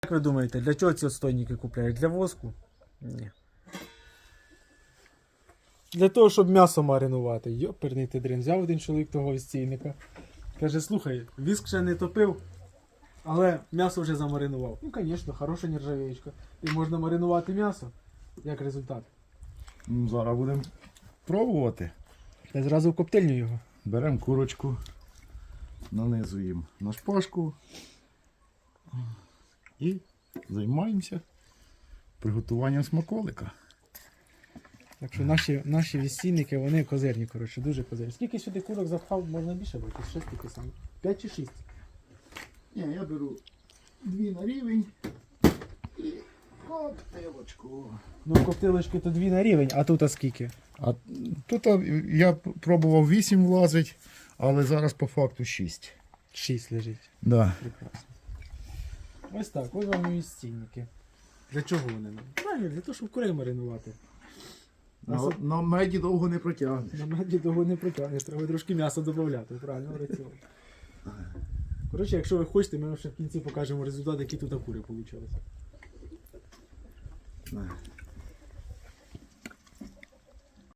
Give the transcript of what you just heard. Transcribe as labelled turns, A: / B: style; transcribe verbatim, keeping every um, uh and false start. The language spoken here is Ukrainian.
A: Як ви думаєте, для чого ці отстойники купляють? Для воску? Ні. Для того, щоб м'ясо маринувати. Йоперний ти дрін. Взяв один чоловік того відстійника. Каже, слухай, віск ще не топив, але м'ясо вже замаринував. Ну, звісно, хороша нержавеєчка. І можна маринувати м'ясо. Як результат?
B: Ну, зараз будемо пробувати.
A: Я зразу в коптильню його.
B: Беремо курочку, нанизуємо на шпажку і займаємося приготуванням смаколика.
A: Так що наші, наші відстійники, вони козирні, коротше, дуже козирні. Скільки сюди курок запхав, можна більше бути? Шість таки саме. П'ять чи шість?
B: Ні, я беру дві на рівень і коптилочку.
A: Ну, в коптилочки то дві на рівень, а тут а скільки?
B: А тут а, я пробував вісім влазить, але зараз по факту шість.
A: Шість лежить.
B: Да.
A: Прекрасно. Ось так, ось вам і відстійники. Для чого вони нам? Правильно, для того, щоб курей маринувати.
B: На, на меді довго не протягнеш.
A: На меді довго не притягнеш, треба трошки м'яса додати, правильно, в раціон. Коротше, якщо ви хочете, ми вам ще в кінці покажемо результат, які тут кури вийшли.